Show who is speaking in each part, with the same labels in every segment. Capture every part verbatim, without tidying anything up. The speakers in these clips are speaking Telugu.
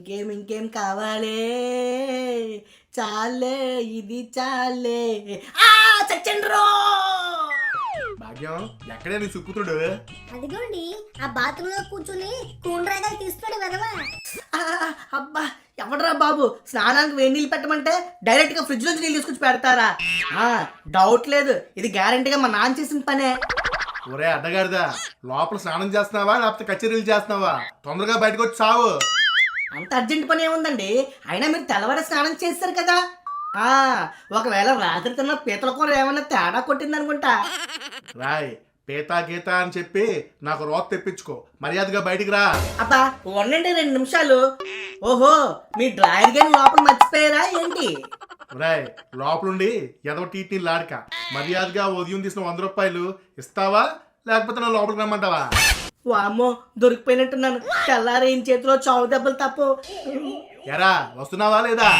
Speaker 1: ఇంకేం ఇంకేం కావాలి, చాలే ఇది చాలే. ఆ చచ్చండ్రో
Speaker 2: భాగ్యం ఎక్కడే నీ సుపుత్రుడు?
Speaker 3: అదిగోండి ఆ బాత్రూమ్ లో కూర్చుని కూండ్రాగా తీస్తున్నాడు వెదవా.
Speaker 1: ఆ, అబ్బా ఎవడరా బాబు స్నానానికి వేడి నీళ్ళు పెట్టమంటే డైరెక్ట్ గా ఫ్రిడ్జ్ నుంచి నీళ్ళు తీసుకొచ్చి పెడతారా? ఆ డౌట్ లేదు, ఇది గ్యారంటీగా మా నాన్న చేసిన పనే.
Speaker 2: ఒరే అడ్డగాడిదా, లోపల స్నానం చేస్తున్నావా లేకపోతే కచేరీలు చేస్తున్నావా? తొందరగా బయటకు వచ్చి సావు.
Speaker 1: అంత అర్జెంట్ పని ఏముందండి, అయినా మీరు తెల్లవారి స్నానం చేస్తారు కదా. ఆ ఒకవేళ రాత్రి తిన్న పీతల కూర ఏమన్నా తేడా కొట్టింది అనుకుంటా.
Speaker 2: రాయ్ పీతా గీత అని చెప్పి నాకు రోత తెప్పించుకో, మర్యాదగా బయటికి రా.
Speaker 1: అబ్బా ఉండండి రెండు నిమిషాలు. ఓహో మీ డ్రాయర్ గేమ్ లోపల మర్చిపోయారా ఏంటి?
Speaker 2: రాయ్ లోపలుండి ఎదవ టీటీ లాడక, మర్యాదగా ఉదయం తీసిన వంద రూపాయలు ఇస్తావా లేకపోతే నా లోపలికి రమ్మంటావా?
Speaker 1: వామ్మో దొరికిపోయినట్టున్నాను, తెల్లారి ఈయన చేతిలో చావు దెబ్బలు తప్పు.
Speaker 2: ఎరా వస్తున్నావా లేదా?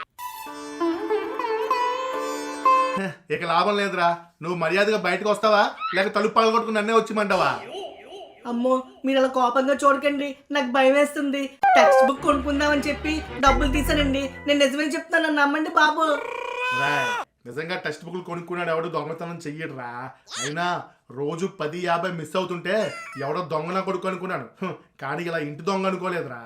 Speaker 2: హ, ఇక లాభం లేదురా, నువ్వు మర్యాదగా బయటకు వస్తావా లేక తలుపు పగలగొట్టుకుని నన్నే వచ్చిమంటావా?
Speaker 1: అమ్మో మీరు అలా కోపంగా చూడకండి, నాకు భయం వేస్తుంది. టెక్స్ట్ బుక్ కొనుక్కుందామని చెప్పి డబ్బులు తీసానండి, నేను నిజమే చెప్తాను నమ్మండి బాబు.
Speaker 2: రాయ్ నిజంగా టెక్స్ట్ బుక్లు కొనుక్కున్నాడు ఎవడో దొంగతనం చెయ్యడురా. అయినా రోజు పది యాభై మిస్ అవుతుంటే ఎవడో దొంగన కొడుకు అనుకున్నాను, హ్, కానీ ఇలా ఇంటి దొంగ అనుకోలేదురా.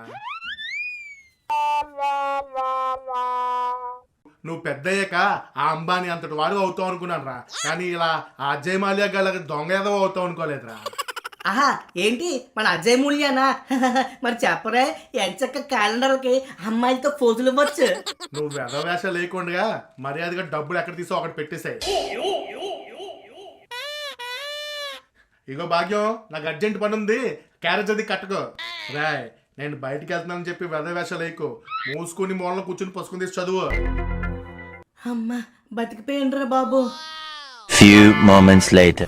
Speaker 2: నువ్వు పెద్ద అయ్యాక ఆ అంబానీ అంతటి వాడు అవుతావు అనుకున్నాను రా, కానీ ఇలా ఆ అజయ్ మాల్యా గల దొంగ ఏదో అవుతావు అనుకోలేదురా.
Speaker 1: ఆహా ఏంటి మన అజయ్ మూల్యానా? మరి చెప్పరే ఎంచక్క క్యాలెండర్కి అమ్మాయిలతో ఫోజులు ఇవ్వచ్చు.
Speaker 2: నువ్వు వెధవేష లేకుండా మర్యాదగా డబ్బులు ఎక్కడ తీసో అక్కడ పెట్టేశాయి. ఇగో భాగ్యం, నాకు అర్జెంట్ పని ఉంది, క్యారేజ్ అది కట్టుకో. రాయ్ నేను బయటికి వెళ్తున్నానని చెప్పి వెధవేష లేకు, మూసుకుని మూలలో కూర్చుని పసుకుని తీసి చదువు.
Speaker 1: అమ్మా బతికిపోయిండ్రా బాబు.
Speaker 4: Few moments later.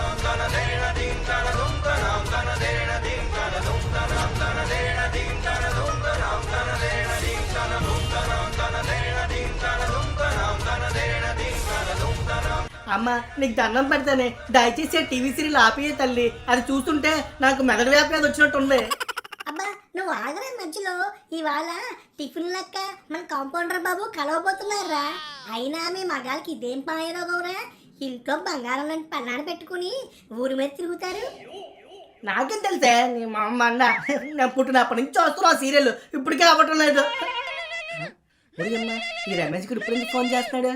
Speaker 1: అమ్మ నీకు దండం పెడతానే, దయచేసి టీవీ సీరియల్ ఆపియే తల్లి, అది చూస్తుంటే నాకు మెదడు వ్యాప్తి వచ్చినట్టుంది.
Speaker 3: అబ్బా నువ్వు ఆగరే మధ్యలో, ఇవాళ టిఫిన్ లెక్క మన కాంపౌండర్ బాబు కలవబోతున్నారా. అయినా మీ మగాళ్ళకి ఇదేం పాయరోగంరా, ఇంట్లో బంగారం లాంటి పన్నాడు పెట్టుకుని ఊరి మీద తిరుగుతారు.
Speaker 1: నాకేం తెలుసే నీ మా అమ్మ అన్న, నేను పుట్టినప్పటి నుంచి వస్తున్నా ఆ సీరియల్, ఇప్పటికే అవ్వటం లేదు. అమ్మా ఈ రమేష్ గురు ఇప్పుడు ఫోన్ చేస్తున్నాడు.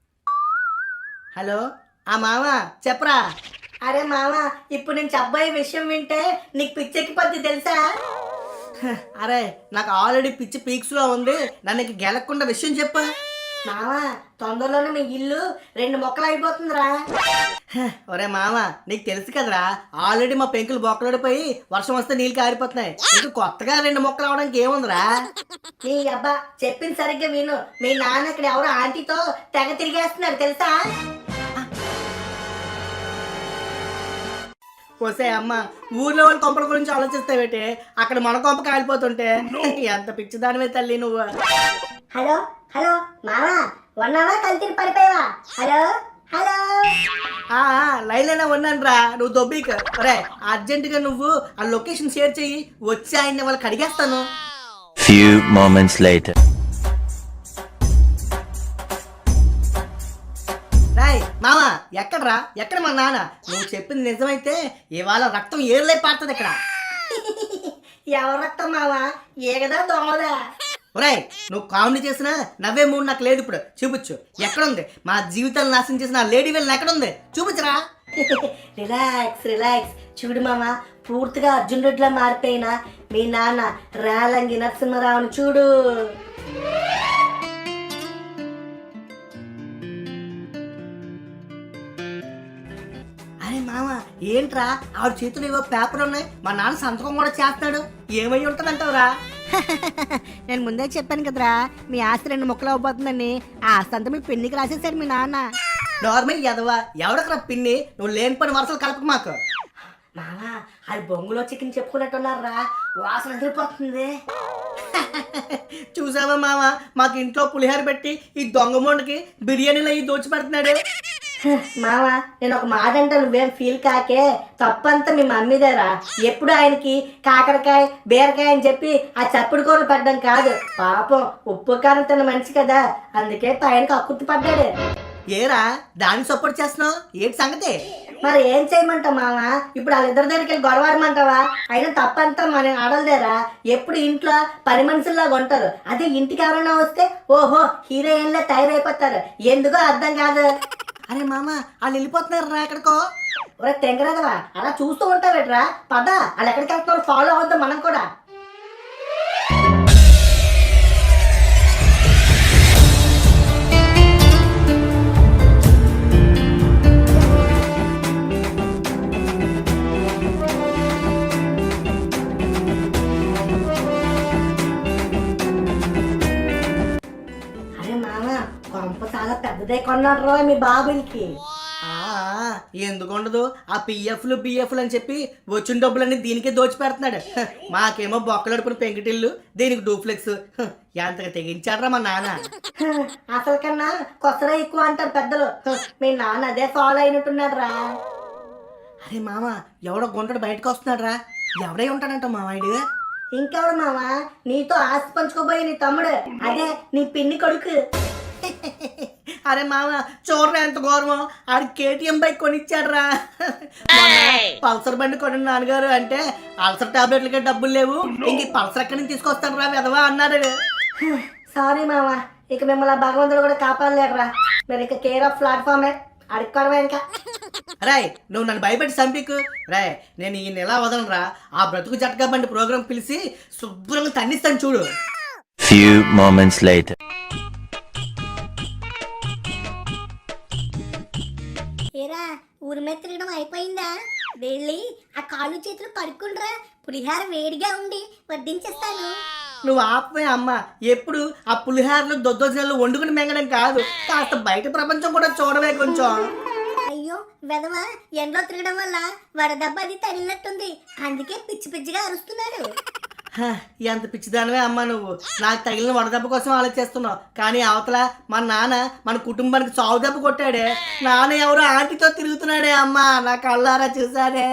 Speaker 1: హలో ఆ మామ చెప్పరా. అరే మామ ఇప్పుడు నేను చెప్పబోయే విషయం వింటే నీకు పిచ్చెక్కిపోద్ది తెలుసా. అరే నాకు ఆల్రెడీ పిచ్చి పీక్స్ లో ఉంది, నన్ను గెలకుండా విషయం చెప్పు. మామ తొందరలోనే మీ ఇల్లు రెండు మొక్కలు అయిపోతుందిరా. ఒరే మామ నీకు తెలుసు కదరా, ఆల్రెడీ మా పెంకులు బొక్కలడిపోయి వర్షం వస్తే నీళ్ళు కారిపోతున్నాయి, ఇంకా కొత్తగా రెండు మొక్కలు అవడానికి ఏముందిరా. నీ అబ్బా చెప్పింది సరిగ్గా విను, మీ నాన్న ఇక్కడ ఎవరో ఆంటీతో తెగ తిరిగేస్తున్నారు తెలుసా. వస్తే అమ్మ ఊర్లో వాళ్ళ కొంపల గురించి ఆలోచిస్తావేటే, అక్కడ మన కొంప కాలిపోతుంటే ఎంత పిచ్చిదానివే తల్లి నువ్వు.
Speaker 3: హలో హలో మామా ఉన్నావా కలిసి పడిపోయావా? హలో హలో
Speaker 1: ఆ లైన్ ఉన్నాను రా, నువ్వు దొబ్బీక. రే అర్జెంటుగా నువ్వు ఆ లొకేషన్ షేర్ చెయ్యి, వచ్చి ఆయన వాళ్ళకి అడిగేస్తాను.
Speaker 4: Few moments later.
Speaker 1: రాయ్ మామ ఎక్కడ్రా, ఎక్కడ మా నాన్న? నువ్వు చెప్పింది నిజమైతే ఇవాళ రక్తం ఏర్లై పారుతుంది ఇక్కడ. ఎవరు రక్తం మావా, ఏగదా దోమదా? ఒరేయ్ నువ్వు కామెడీ చేసినా నవ్వే మూడు నాకు లేదు, ఇప్పుడు చూపించు ఎక్కడుంది. మా జీవితాలు నాశనం చేసిన లేడీ వెళ్ళి ఎక్కడుంది చూపించరా. రిలాక్స్ రిలాక్స్ చూడు మామ, పూర్తిగా అర్జున్ రెడ్డిలా మారిపోయినా మీ నాన్న రాలంగి నరసింహరావుని చూడు. అరే మామ ఏంట్రా ఆవిడ చేతులు ఏవో పేపర్ ఉన్నాయి, మా నాన్న సంతకం కూడా చేస్తున్నాడు, ఏమై ఉంటుందంటావురా?
Speaker 3: నేను ముందే చెప్పాను కదరా మీ ఆస్తి రెండు ముక్కలు అవ్వబోతుందని, ఆ ఆస్తి అంతా మీ పెన్నికి రాసేసాడు మీ నాన్న.
Speaker 1: నార్మల్ ఎదవా ఎవడకరా పిన్ని, నువ్వు లేని పని వరుసలు కలపకు మాకు. మామా అది బొంగులో చికెన్ చెప్పుకున్నట్టున్నారా, వాసన ఎదిరిపోతుంది. చూసావా మామ, మాకు ఇంట్లో పులిహోర పెట్టి ఈ దొంగ మొండకి బిర్యానీలో ఈ దోచి పెడుతున్నాడు. మామ నేను ఒక మాట అంటే నువ్వేం ఫీల్ కాకే, తప్పంతా మీ మమ్మీదేరా. ఎప్పుడు ఆయనకి కాకరకాయ బీరకాయ అని చెప్పి ఆ చప్పుడు కూరలు పడ్డం కాదు, పాపం ఉప్పు కారం తిన్న మనిషి కదా, అందుకే పైనకి అక్కుర్తి పడ్డాడు. ఏరా దానికి సపోర్ట్ చేస్తున్నావు, ఏంటి సంగతి? మరి ఏం చేయమంటావు మామ, ఇప్పుడు వాళ్ళిద్దరి దగ్గరికి వెళ్ళి గొడవడమంటావా? అయినా తప్పంతా మన ఆడలేరా, ఎప్పుడు ఇంట్లో పని మనుషుల్లాగా ఉంటారు. అదే ఇంటికి ఎవరైనా వస్తే ఓహో హీరోయిన్లా తయారైపోతారు, ఎందుకో అర్థం కాదు. అరే మామ వాళ్ళు వెళ్ళిపోతున్నారు రా ఎక్కడికో. ఒరే తెంగరాదవా అలా చూస్తూ ఉంటావేట్రా, పద వాళ్ళు ఎక్కడికి వెళ్తున్నారు ఫాలో అవుద్దాం మనం కూడా. కొంప చాలా పెద్దదే కొన్నాడు రా మీ బాబులకి. ఎందుకు ఉండదు, ఆ పిఎఫ్లు బిఎఫ్లు అని చెప్పి వచ్చిన డబ్బులన్నీ దీనికే దోచి పెడుతున్నాడు. మాకేమో బొక్కలడుపున పెంకిటిల్లు, దీనికి డూప్లెక్స్. ఎంతగా తెగించాడ్రా మా నాన్న. అసలు కన్నా కొత్తగా ఎక్కువ అంటారు పెద్దలు, మీ నాన్న అదే ఫాలో అయినట్టున్నాడు రా. అరే మామ ఎవడో గుంటడు బయటకు వస్తున్నాడు రా, ఎవడై ఉంటాడంట మావాడు. ఇంకెవడు మామ, నీతో ఆస్తి పంచుకోబోయే నీ తమ్ముడు, అదే నీ పిన్ని కొడుకు. అరే మామ చూడరా ఎంత గౌరవం, ఆడు కేటీఎం బైక్ కొనిచ్చాడు రా. పల్సర్ బండి కొని నాన్నగారు అంటే అల్సర్ టాబ్లెట్లకే డబ్బులు లేవు, ఇంక పల్సర్ ఎక్కడి నుంచి తీసుకొస్తాను రా విధవా అన్నాడు. సారీ మామ, ఇక మిమ్మల్ని భగవంతుడు కూడా కాపాడలేడురా, మీరు ఇక కేర్ ఆఫ్ ప్లాట్ఫామే అడుక్కోవడమే ఇంకా. రాయ్ నువ్వు నన్ను భయపెట్టి చంపికు రాయ్, నేను ఈ నెల వదలరా, ఆ బ్రతుకు జట్కా బండి ప్రోగ్రాం పిలిచి శుభ్రంగా తన్నిస్తాను చూడు.
Speaker 4: Few moments later.
Speaker 3: ఏరా ఊరి మీద తిరగడం అయిపోయిందా? వెళ్ళి ఆ కాళ్ళు చేతులు కడుక్కుండ్రా, పులిహార వేడిగా ఉండి వడ్డించేస్తాను.
Speaker 1: నువ్వు ఆపే అమ్మ, ఎప్పుడు ఆ పులిహారలు దొద్దోజనాలు వండుకుని మెంగడం కాదు, కాస్త బయట ప్రపంచం కూడా చూడవే కొంచెం.
Speaker 3: అయ్యో వెదవా, ఎండలో తిరగడం వల్ల వడదెబ్బ అది తగిలినట్టుంది, అందుకే పిచ్చి పిచ్చిగా అరుస్తున్నాడు.
Speaker 1: ఎంత పిచ్చిదానివే అమ్మ నువ్వు, నాకు తగిలిన వడదెబ్బ కోసం ఆలోచిస్తున్నావు, కానీ అవతల మన నాన్న మన కుటుంబానికి చావు దెబ్బ కొట్టాడే. నాన్న ఎవరో ఆంటీతో తిరుగుతున్నాడే అమ్మ, నా కళ్ళారా చూసానే.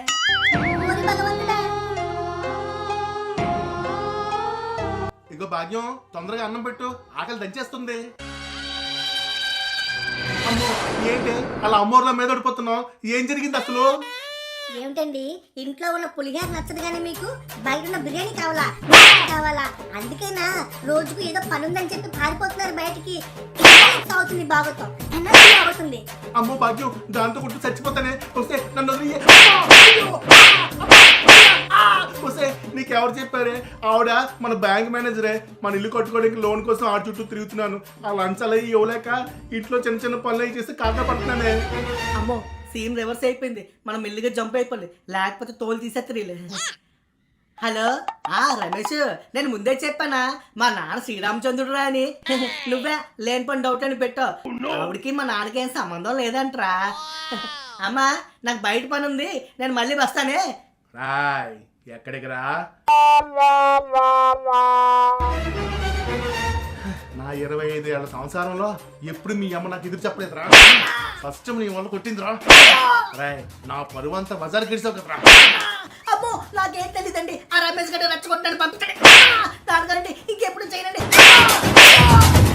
Speaker 2: ఇగో భాగ్యం తొందరగా అన్నం పెట్టు, ఆకలి దంచేస్తుంది. అమ్మో ఏంటి అలా అమ్మోర్ల మీద పడిపోతున్నావు, ఏం జరిగింది అసలు?
Speaker 3: ఏమిటండి ఇంట్లో ఉన్న పులిహార నచ్చదు కానీ మీకు బయట ఉన్న బిర్యానీ కావాలా కావాలా? అందుకేనా రోజుకు ఏదో పని ఉందని చెప్పి పారిపోతున్నారు బయటికి. అవుతుంది బాగుతాం ఎనర్జీ అవుతుంది.
Speaker 2: అమ్మో భాగ్యం దాంతో కొట్టు చచ్చిపోతానే, వస్తే నన్ను వస్తే నీకెవరు చెప్పారే? ఆవిడ మన బ్యాంక్ మేనేజరే, మన ఇల్లు కట్టుకోవడానికి లోన్ కోసం ఆడ చుట్టూ తిరుగుతున్నాను, ఆ లంచ్ అలా ఇవ్వలేక ఇంట్లో చిన్న చిన్న పనులు అవి చేసి కాకా పడుతున్నానే.
Speaker 1: అమ్మో సీన్ రివర్స్ అయిపోయింది, మనం మెల్లిగా జంప్ అయిపోయింది, లేకపోతే తోలు తీసేత్తరీలే. హలో ఆ రమేష్, నేను ముందే చెప్పానా మా నాన్న శ్రీరామచంద్రుడురా అని. నువ్వే లేని పని డౌట్ అని పెట్టావు, ఆవిడికి మా నాన్నకి ఏం సంబంధం లేదంటరా. అమ్మా నాకు బయట పని ఉంది, నేను మళ్ళీ వస్తానే.
Speaker 2: రాయ్ ఎక్కడికి రా, నా ఇరవై ఐదు ఏళ్ళ సంవత్సరంలో ఎప్పుడు మీ అమ్మ నాకు ఎదురు చెప్పలేదురా, ఫస్ట్ నీ వల్ల కొట్టిందిరా. రాయ్ నా పరువంతా బజార్ గిడిసావు కదరా.
Speaker 1: అమ్మో నాకేం తెలియదండి, ఆ రమేష్ గడ్డ రచ్చగొట్టాడు పంపించండి, దానికంటే ఇంకెప్పుడు చేయనండి.